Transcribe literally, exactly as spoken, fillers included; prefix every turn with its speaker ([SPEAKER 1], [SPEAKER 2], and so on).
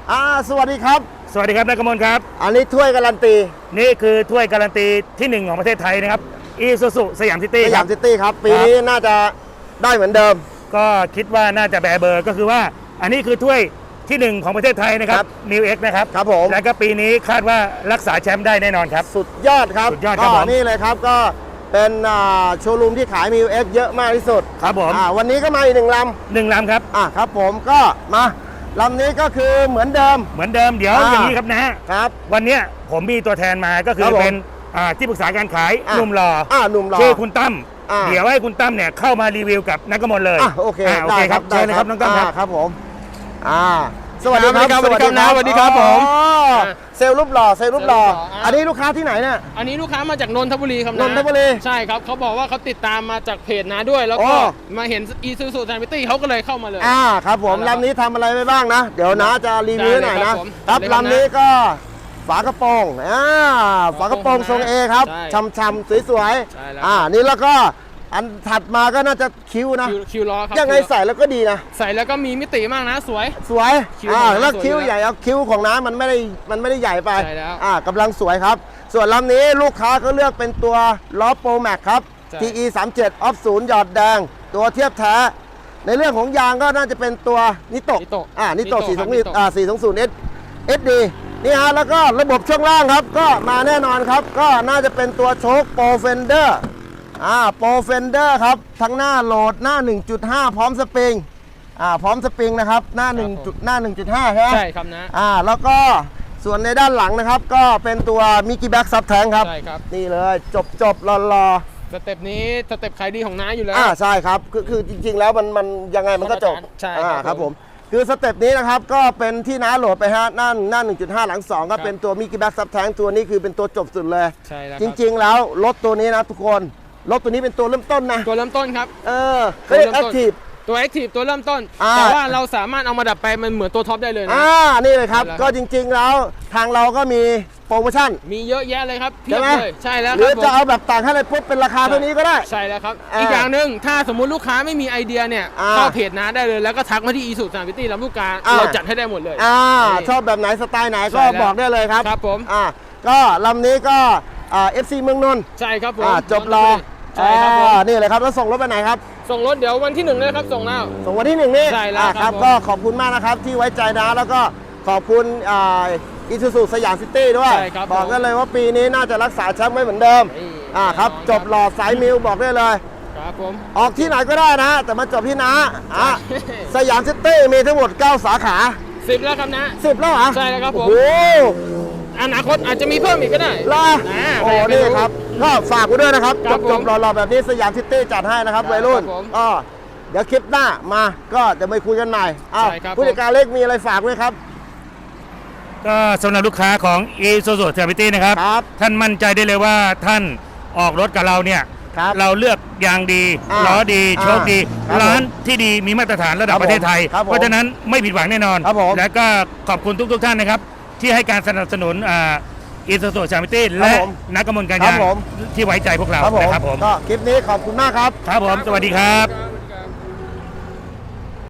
[SPEAKER 1] อ่าสวัสดีครับ
[SPEAKER 2] สวัสดีครับนายกมลครับ
[SPEAKER 1] อันนี้ถ้วยการันตี
[SPEAKER 2] นี่คือถ้วยการันตีที่หนึ่งของประเทศไทยนะครับอีซูซูสยามซิตี้
[SPEAKER 1] สยามซิตี้ครับปีนี้น่าจะได้เหมือนเดิม
[SPEAKER 2] ก็คิดว่าน่าจะแบเบอร์ก็คือว่าอันนี้คือถ้วยที่หนึ่งของประเทศไทยนะครับมิวเอ็กนะครับ
[SPEAKER 1] ครับผม
[SPEAKER 2] แล้วก็ปีนี้คาดว่ารักษาแชมป์ได้แน่นอนครับ
[SPEAKER 1] สุดยอดครับ
[SPEAKER 2] สุดยอดครับผม
[SPEAKER 1] นี่เลยครับก็เป็นโชว์รูมที่ขายมิวเอ็กเยอะมากที่สุด
[SPEAKER 2] ครับผม
[SPEAKER 1] วันนี้ก็มาอีกหนึ่งล
[SPEAKER 2] ำหนึ่งลำครับ
[SPEAKER 1] อ่าครับผมก็มาลำนี้ก็คือเหมือนเดิม
[SPEAKER 2] เหมือนเดิมเดี๋ยวอย่างนี้ครับนะครับวันนี้ผมมีตัวแทนมาก็คือเป็นที่ปรึกษาการขายหนุ่มหล่อ
[SPEAKER 1] หนุ่มหล่อ
[SPEAKER 2] ชื่อคุณตั้มเดี๋ยวให้คุณตั้มเนี่ยเข้ามารีวิวกับนักกมลเลย
[SPEAKER 1] โอเค
[SPEAKER 2] โอเคครับเชิญเลยครับน้องตั้มครับ
[SPEAKER 1] ครับผมอ่าสวัสดีครับ
[SPEAKER 2] สวัสดีครับนะสวัสดีครับผม
[SPEAKER 1] เซลล์รูปหล่อเซลล์รูปหล่ออันนี้ลูกค้าที่ไหนเนี่ย
[SPEAKER 3] อันนี้ลูกค้ามาจากนนทบุรีครับ
[SPEAKER 1] นนทบุรี
[SPEAKER 3] ใช่ครับเขาบอกว่าเขาติดตามมาจากเพจนะด้วยแล้วก็มาเห็นอีซูซู Science City เขาก็เลยเข้ามาเลย
[SPEAKER 1] อ่าครับผมลำนี้ทำอะไรไปบ้างนะเดี๋ยวนะจะรีวิวหน่อยนะครับลำนี้ก็ฝากระโปรงอ่าฝากระโปรงทรงเอครับช่ำๆสวยๆอ่านี่แล้วก็อันถัดมาก็น่าจะคิ้วนะ
[SPEAKER 3] คิ้วล้อครับ
[SPEAKER 1] ยังไงใส่แล้วก็ดีนะ
[SPEAKER 3] ใส่แล้วก็มีมิติมากนะสวย
[SPEAKER 1] สวยอ่าแล้วคิ้วใหญ่เอาคิ้วของน้ามันไม่ได้มันไม่ได้ใหญ่ไป
[SPEAKER 3] ใช่แล้ว
[SPEAKER 1] อ่ากำลังสวยครับส่วนลำนี้ลูกค้าก็เลือกเป็นตัวล้อโปรแม็กครับ ที อี สามสิบเจ็ด ออฟศูนย์หยอดแดงตัวเทียบแท้ในเรื่องของยางก็น่าจะเป็นตัวนิโตะอ่านิโตะสี่สองอ่าสี่สองศูนย์เอสเอสดีนี่ฮะแล้วก็ระบบช่วงล่างครับก็มาแน่นอนครับก็น่าจะเป็นตัวโชคโปรเฟนเดอร์อ่าโปรเฟนเดอร์ครับทั้งหน้าโหลดหน้า หนึ่งจุดห้า พร้อมสปริงอ่าพร้อมสปริงนะครับหน้า1จุดหน้า หนึ่งจุดห้า ใช่ไหม
[SPEAKER 3] ใช่ครับนะ
[SPEAKER 1] อ่าแล้วก็ส่วนในด้านหลังนะครับก็เป็นตัวมิกกี้แบ็กซับแทงครับ
[SPEAKER 3] ใช่ครับ
[SPEAKER 1] นี่เลยจบจบรอรอ
[SPEAKER 3] สเต็ปนี้สเต็ปขายดีของน้าอยู่แล้ว
[SPEAKER 1] อ่าใช่ครับคือคือจริงๆแล้วมันมันยังไงมันก็จบ
[SPEAKER 3] ใช่
[SPEAKER 1] ครับผมคือสเต็ปนี้นะครับก็เป็นที่น้าโหลดไปฮะหน้าหน้า หนึ่งจุดห้า หลังสองก็เป็นตัวมิกกี้แบ็กซับแทงตัวนี้คือเป็นตัวจบสุดเลย
[SPEAKER 3] ใช่แล้ว
[SPEAKER 1] จริงๆแล้วรถตัวนี้นะทุกคนรถตัวนี้เป็นตัวเริ่มต้นนะ
[SPEAKER 3] ตัวเริ่มต้นครับ
[SPEAKER 1] เออเขาเรียกแอคทีฟ
[SPEAKER 3] ตัวแอคทีฟตัวเริ่มต้นแต่ว่าเราสามารถเอามาดัดไปมันเหมือนตัวท็อปได้เลยนะ
[SPEAKER 1] อ่านี่เลยครับก็จริงๆแล้วทางเราก็มีโปรโมชั่น
[SPEAKER 3] มีเยอะแยะเลยครับเพียบเลยใช่แล้ว
[SPEAKER 1] หรือจะเอาแบบต่างให้เลยปุ๊บเป็นราคาเท่านี้ก็ได้
[SPEAKER 3] ใช่แล้วครับอีกอย่างหนึ่งถ้าสมมุติลูกค้าไม่มีไอเดียเนี่ยเข้าเพจน้าได้เลยแล้วก็ทักมาที่อีซูซู Science City ลำลูกกาเราจัดให้ได้หมดเลย
[SPEAKER 1] อ่าชอบแบบไหนสไตล์ไหนก็บอกได้เลยครับ
[SPEAKER 3] ครับผม
[SPEAKER 1] อ่าก็ลำนี้ก็อ่า เอฟ ซี เมืองนนท์
[SPEAKER 3] ใช่ครับผม
[SPEAKER 1] จบรอ
[SPEAKER 3] ใช่ครับผม
[SPEAKER 1] นี่เลยครับแล้วส่งรถไปไหนครับ
[SPEAKER 3] ส่งรถเดี๋ยววันที่หนึ่งเลยครับส่งแล้ว
[SPEAKER 1] ส่งวันที่หนึ่งนี่
[SPEAKER 3] ใช่แล้ว
[SPEAKER 1] ครับก็ขอบคุณมากนะครับที่ไว้ใจนะแล้วก็ขอบคุณอีซูซูสยามซิตี้ด้วยบอกกันเลยว่าปีนี้น่าจะรักษาแชมป์ไว้เหมือนเดิมอ่าครับจบหล่อสายมิวบอกได้เลย
[SPEAKER 3] ครับผม
[SPEAKER 1] ออกที่ไหนก็ได้นะแต่มาจบที่น้าอ่ะสยามซิตี้มีทั้งหมดเก้าสาขา
[SPEAKER 3] สิบแล้วครับนะ
[SPEAKER 1] สิบแล้วเหรอ
[SPEAKER 3] ใช่แล้วครับผม
[SPEAKER 1] โอ้
[SPEAKER 3] อนาคตอาจจะมีเพิ่มอีกก็ได้
[SPEAKER 1] ล่ะโอ้นี่ครับก็ฝากไว้ด้วยนะครับจบจบหล่อๆแบบนี้สยามซิตี้จัดให้นะครับวัยรุ่นอ๋อเดี๋ยวคลิปหน้ามาก็จะไปคุยกันใหม่อ้าวผู้จัดการเล็กมีอะไรฝากไหมครับ
[SPEAKER 2] ก็สำหรับลูกค้าของ Isuzu Science City นะครับท่านมั่นใจได้เลยว่าท่านออกรถกับเราเนี่ยเราเลือกยางดีล้อดีโชคดีร้านที่ดีมีมาตรฐานระดับประเทศไทยเพราะฉะนั้นไม่ผิดหวังแน่นอนและก็ขอบคุณทุกๆท่านนะครับที่ให้การสนับสนุนอีซูซู Science City และนักกมลการยางที่ไว้ใจพวกเรานะครับผม
[SPEAKER 1] ก็คลิปนี้ขอบคุณมากครับ
[SPEAKER 2] ครับผมสวัสดีครับ